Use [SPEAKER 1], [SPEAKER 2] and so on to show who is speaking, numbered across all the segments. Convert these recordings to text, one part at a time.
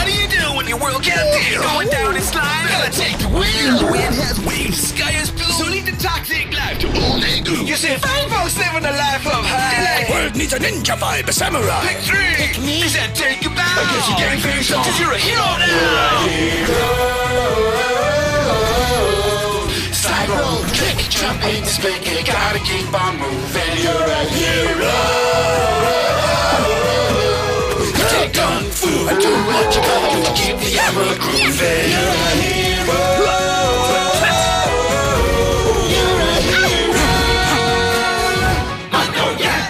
[SPEAKER 1] What do you do when your world can't deal? Going down in slime? Gotta take the wheel. The wind has waves, the sky is blue. So leave the toxic life to old Egu. You see, fine folks living a life of high. The world needs a ninja vibe, a samurai. Pick three. Pick me. Is that take you back? I guess you're getting finished off. 'Cause you're a hero now. You're a hero. Slide, roll, kick, jump, ain't spin, you gotta keep on moving. You're a hero. Take kung fu and do what you gotta do to keep the arrow grooving. You're a hero. You're a hero. I know ya.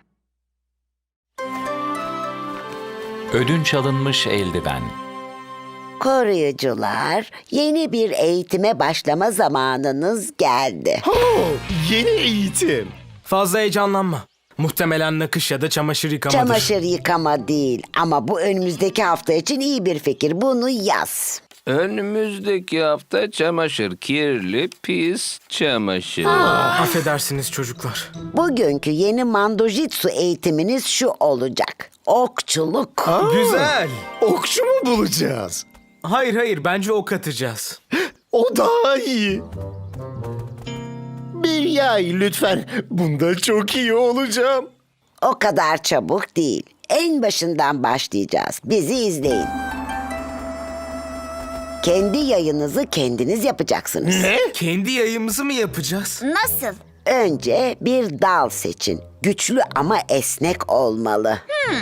[SPEAKER 2] Ödünç alınmış eldiven.
[SPEAKER 3] Koruyucular, yeni bir eğitime başlama zamanınız geldi.
[SPEAKER 4] Yeni eğitim.
[SPEAKER 5] Fazla heyecanlanma. Muhtemelen nakış ya da çamaşır yıkamadır.
[SPEAKER 3] Çamaşır yıkama değil ama bu önümüzdeki hafta için iyi bir fikir. Bunu yaz.
[SPEAKER 6] Önümüzdeki hafta çamaşır, kirli, pis çamaşır.
[SPEAKER 5] Affedersiniz çocuklar.
[SPEAKER 3] Bugünkü yeni mandojitsu eğitiminiz şu olacak. Okçuluk.
[SPEAKER 5] Güzel.
[SPEAKER 4] Okçu mu bulacağız?
[SPEAKER 5] Hayır bence ok atacağız.
[SPEAKER 4] O daha iyi. Bir yay lütfen. Bunda çok iyi olacağım.
[SPEAKER 3] O kadar çabuk değil. En başından başlayacağız. Bizi izleyin. Kendi yayınızı kendiniz yapacaksınız.
[SPEAKER 4] Ne?
[SPEAKER 5] Kendi yayımızı mı yapacağız?
[SPEAKER 7] Nasıl?
[SPEAKER 3] Önce bir dal seçin. Güçlü ama esnek olmalı.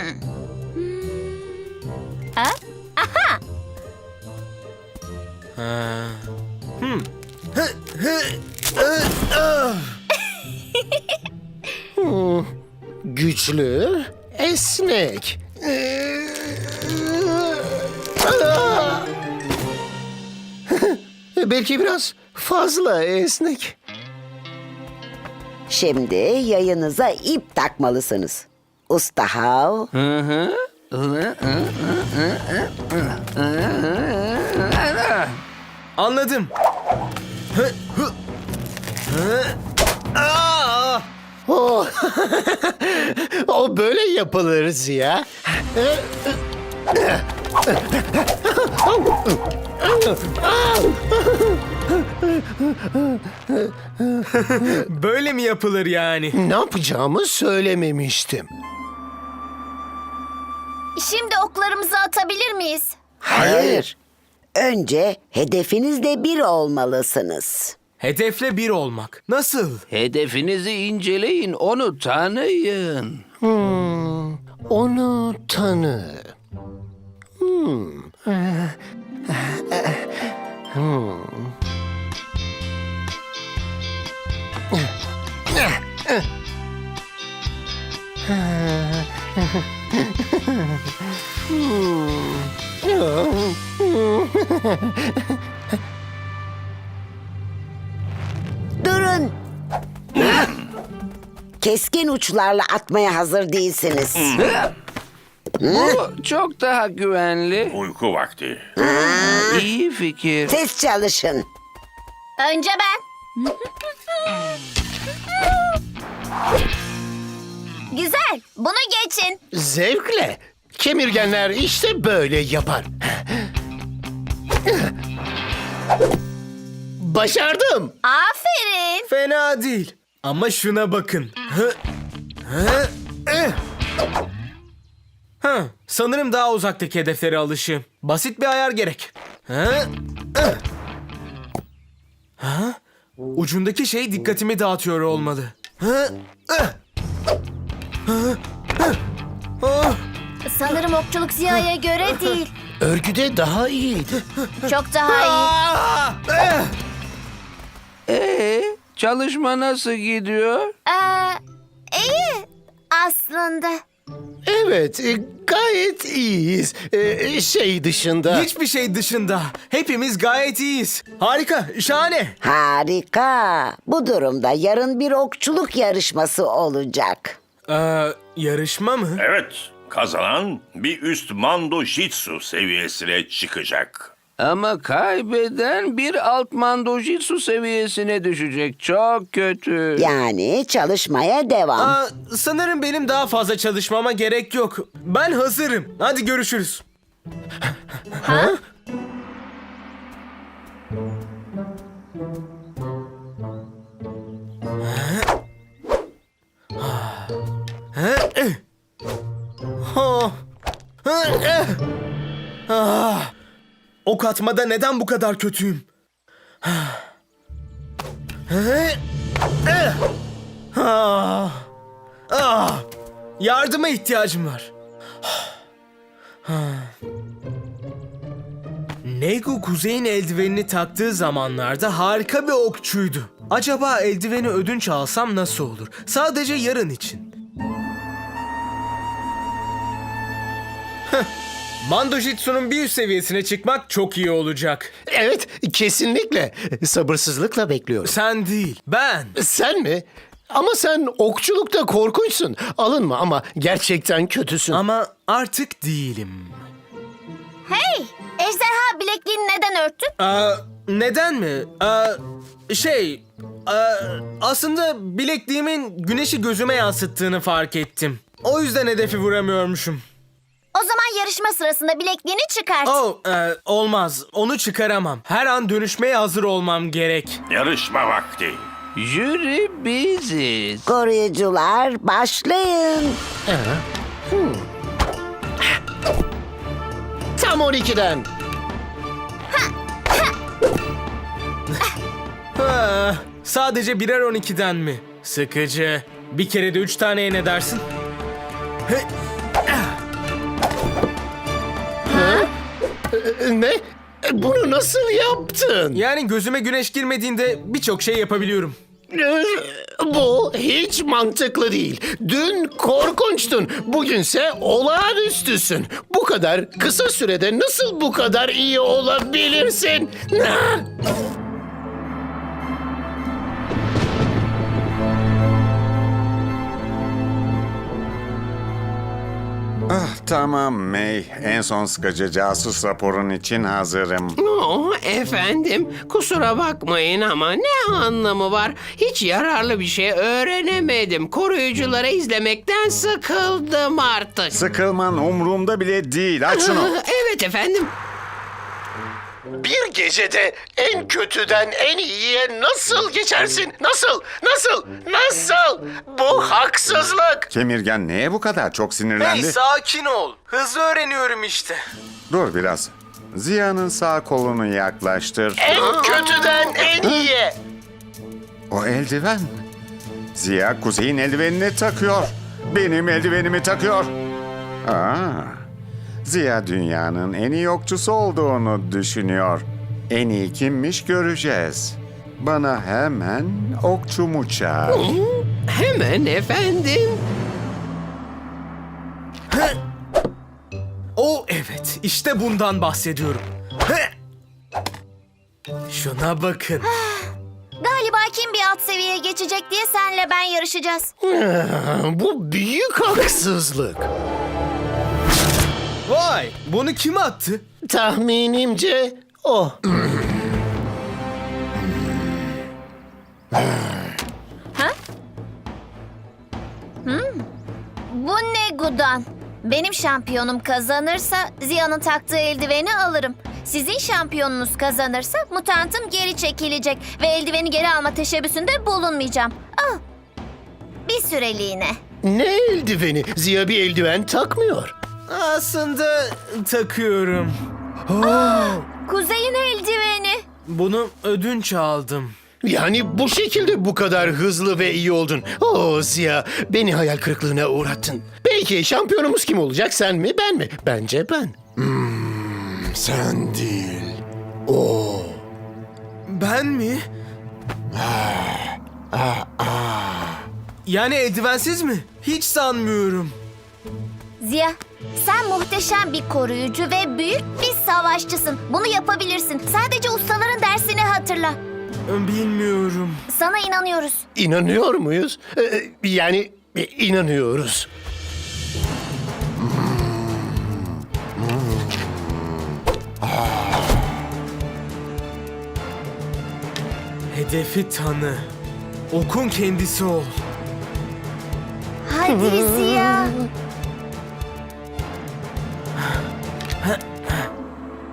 [SPEAKER 4] Güçlü, esnek. Belki biraz fazla esnek.
[SPEAKER 3] Şimdi yayınıza ip takmalısınız. Usta Hav.
[SPEAKER 5] Anladım.
[SPEAKER 4] O böyle yapılır Ziya.
[SPEAKER 5] Böyle mi yapılır yani?
[SPEAKER 4] Ne yapacağımı söylememiştim.
[SPEAKER 7] Şimdi oklarımızı atabilir miyiz?
[SPEAKER 3] Hayır. Önce hedefinizle bir olmalısınız.
[SPEAKER 5] Hedefle bir olmak. Nasıl?
[SPEAKER 6] Hedefinizi inceleyin, onu tanıyın.
[SPEAKER 4] Onu tanı.
[SPEAKER 3] Durun. Keskin uçlarla atmaya hazır değilsiniz.
[SPEAKER 6] Bu çok daha güvenli.
[SPEAKER 8] Uyku vakti.
[SPEAKER 6] İyi fikir.
[SPEAKER 3] Ses çalışın.
[SPEAKER 7] Önce ben. Güzel. Bunu geçin.
[SPEAKER 4] Zevkle. Kemirgenler işte böyle yapar. Başardım.
[SPEAKER 7] Aferin.
[SPEAKER 5] Fena değil. Ama şuna bakın. Sanırım daha uzaktaki hedeflere alışığım. Basit bir ayar gerek. Ucundaki şey dikkatimi dağıtıyor olmalı.
[SPEAKER 7] Sanırım okçuluk Ziya'ya göre değil.
[SPEAKER 4] Örgüde daha iyiydi.
[SPEAKER 7] Çok daha
[SPEAKER 6] Çalışma nasıl gidiyor?
[SPEAKER 7] iyi. İyi aslında.
[SPEAKER 4] Evet, gayet iyiyiz. Şey dışında.
[SPEAKER 5] Hiçbir şey dışında. Hepimiz gayet iyiyiz. Harika, şahane.
[SPEAKER 3] Harika. Bu durumda yarın bir okçuluk yarışması olacak.
[SPEAKER 5] Yarışma mı?
[SPEAKER 8] Evet, kazanan bir üst mando jitsu seviyesine çıkacak.
[SPEAKER 6] Ama kaybeden bir alt mandojitsu seviyesine düşecek. Çok kötü.
[SPEAKER 3] Yani çalışmaya devam.
[SPEAKER 5] Sanırım benim daha fazla çalışmama gerek yok. Ben hazırım. Hadi görüşürüz. Ok atmada neden bu kadar kötüyüm? Yardıma ihtiyacım var. Nego Kuzey'in eldivenini taktığı zamanlarda harika bir okçuydu. Acaba eldiveni ödünç alsam nasıl olur? Sadece yarın için. Mando Jitsu'nun bir üst seviyesine çıkmak çok iyi olacak.
[SPEAKER 4] Evet, kesinlikle. Sabırsızlıkla bekliyorum.
[SPEAKER 5] Sen değil, ben.
[SPEAKER 4] Sen mi? Ama sen okçulukta korkunçsun. Alınma ama gerçekten kötüsün.
[SPEAKER 5] Ama artık değilim.
[SPEAKER 7] Hey! Ejderha bilekliğini neden örttün?
[SPEAKER 5] Neden mi? Aslında bilekliğimin güneşi gözüme yansıttığını fark ettim. O yüzden hedefi vuramıyormuşum.
[SPEAKER 7] O zaman yarışma sırasında bilekliğini çıkart.
[SPEAKER 5] Olmaz. Onu çıkaramam. Her an dönüşmeye hazır olmam gerek.
[SPEAKER 8] Yarışma vakti.
[SPEAKER 6] Jüri biziz.
[SPEAKER 3] Koruyucular başlayın.
[SPEAKER 4] Tam 12'den.
[SPEAKER 5] Sadece birer 12'den mi? Sıkıcı. Bir kere de 3 taneye ne dersin?
[SPEAKER 4] Ne? Bunu nasıl yaptın?
[SPEAKER 5] Yani gözüme güneş girmediğinde birçok şey yapabiliyorum.
[SPEAKER 4] Bu hiç mantıklı değil. Dün korkunçtun. Bugünse olağanüstüsün. Bu kadar kısa sürede nasıl bu kadar iyi olabilirsin?
[SPEAKER 2] Tamam May. En son sıkıcı casus raporun için hazırım.
[SPEAKER 9] Efendim, kusura bakmayın ama ne anlamı var? Hiç yararlı bir şey öğrenemedim. Koruyucuları izlemekten sıkıldım artık.
[SPEAKER 2] Sıkılman umurumda bile değil. Aç şunu.
[SPEAKER 9] Evet efendim.
[SPEAKER 4] Bir gecede en kötüden en iyiye nasıl geçersin? Nasıl? Nasıl? Nasıl? Bu haksızlık.
[SPEAKER 2] Kemirgen neye bu kadar çok sinirlendi?
[SPEAKER 5] Sakin ol. Hızlı öğreniyorum işte.
[SPEAKER 2] Dur biraz. Ziya'nın sağ kolunu yaklaştır.
[SPEAKER 4] En kötüden en iyiye.
[SPEAKER 2] O eldiven. Ziya Kuzey'in eldivenini takıyor. Benim eldivenimi takıyor. Ziya dünyanın en iyi okçusu olduğunu düşünüyor. En iyi kimmiş göreceğiz. Bana hemen okçumu çağır.
[SPEAKER 9] Hemen efendim.
[SPEAKER 5] Evet, işte bundan bahsediyorum. Şuna bakın.
[SPEAKER 7] Galiba kim bir alt seviyeye geçecek diye senle ben yarışacağız.
[SPEAKER 4] Bu büyük haksızlık.
[SPEAKER 5] Vay, bunu kim attı?
[SPEAKER 4] Tahminimce o.
[SPEAKER 7] Bu ne Gudan? Benim şampiyonum kazanırsa Ziya'nın taktığı eldiveni alırım. Sizin şampiyonunuz kazanırsa mutantım geri çekilecek ve eldiveni geri alma teşebbüsünde bulunmayacağım. Al. Bir süreliğine.
[SPEAKER 4] Ne eldiveni? Ziya bir eldiven takmıyor.
[SPEAKER 5] Aslında takıyorum.
[SPEAKER 7] Kuzey'in eldiveni.
[SPEAKER 5] Bunu ödünç aldım.
[SPEAKER 4] Yani bu şekilde bu kadar hızlı ve iyi oldun. Ziya, beni hayal kırıklığına uğrattın. Peki şampiyonumuz kim olacak? Sen mi, ben mi? Bence ben. Sen değil. O.
[SPEAKER 5] Ben mi? Yani eldivensiz mi? Hiç sanmıyorum.
[SPEAKER 7] Ziya, sen muhteşem bir koruyucu ve büyük bir savaşçısın. Bunu yapabilirsin. Sadece ustaların dersini hatırla.
[SPEAKER 5] Bilmiyorum.
[SPEAKER 7] Sana inanıyoruz.
[SPEAKER 4] İnanıyor muyuz? Yani inanıyoruz.
[SPEAKER 5] Hedefi tanı. Okun kendisi ol.
[SPEAKER 7] Hadi Ziya.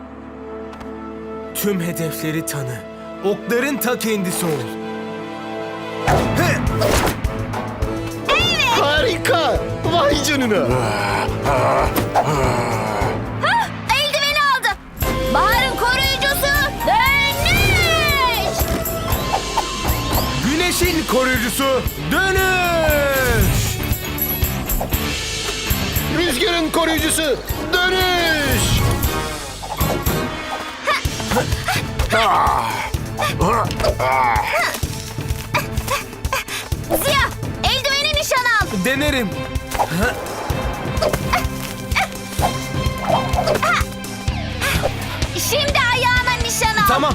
[SPEAKER 5] Tüm hedefleri tanı. Okların ta kendisi ol.
[SPEAKER 4] Harika! Vay canına!
[SPEAKER 7] Eldiveni aldı. Bahar'ın koruyucusu dönüş.
[SPEAKER 5] Güneşin koruyucusu dönüş.
[SPEAKER 4] Rüzgarın koruyucusu dönüş!
[SPEAKER 7] Ziya, eldiveni nişan al.
[SPEAKER 5] Denerim.
[SPEAKER 7] Şimdi ayağına nişan al.
[SPEAKER 5] Tamam.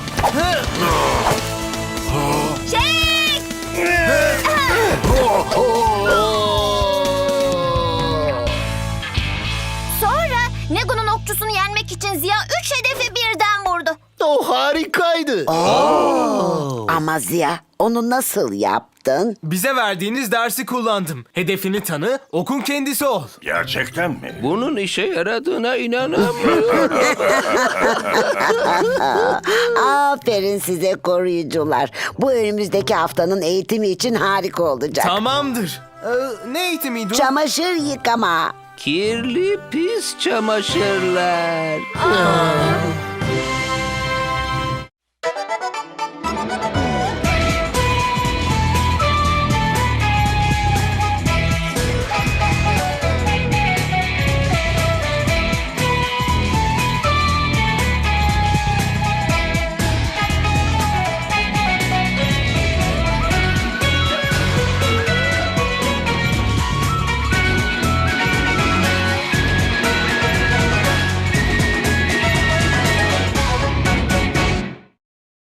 [SPEAKER 7] Çek. Sonra Negu'nun okçusunu yenmek için Ziya 3 hedefi birden vurdu.
[SPEAKER 4] O harikaydı.
[SPEAKER 3] Ama Ziya, onu nasıl yaptın?
[SPEAKER 5] Bize verdiğiniz dersi kullandım. Hedefini tanı, okun kendisi ol.
[SPEAKER 8] Gerçekten mi?
[SPEAKER 6] Bunun işe yaradığına inanamıyorum.
[SPEAKER 3] Aferin size koruyucular. Bu önümüzdeki haftanın eğitimi için harika olacak.
[SPEAKER 5] Tamamdır. Ne eğitimiydi o?
[SPEAKER 3] Çamaşır yıkama.
[SPEAKER 6] Kirli pis çamaşırlar.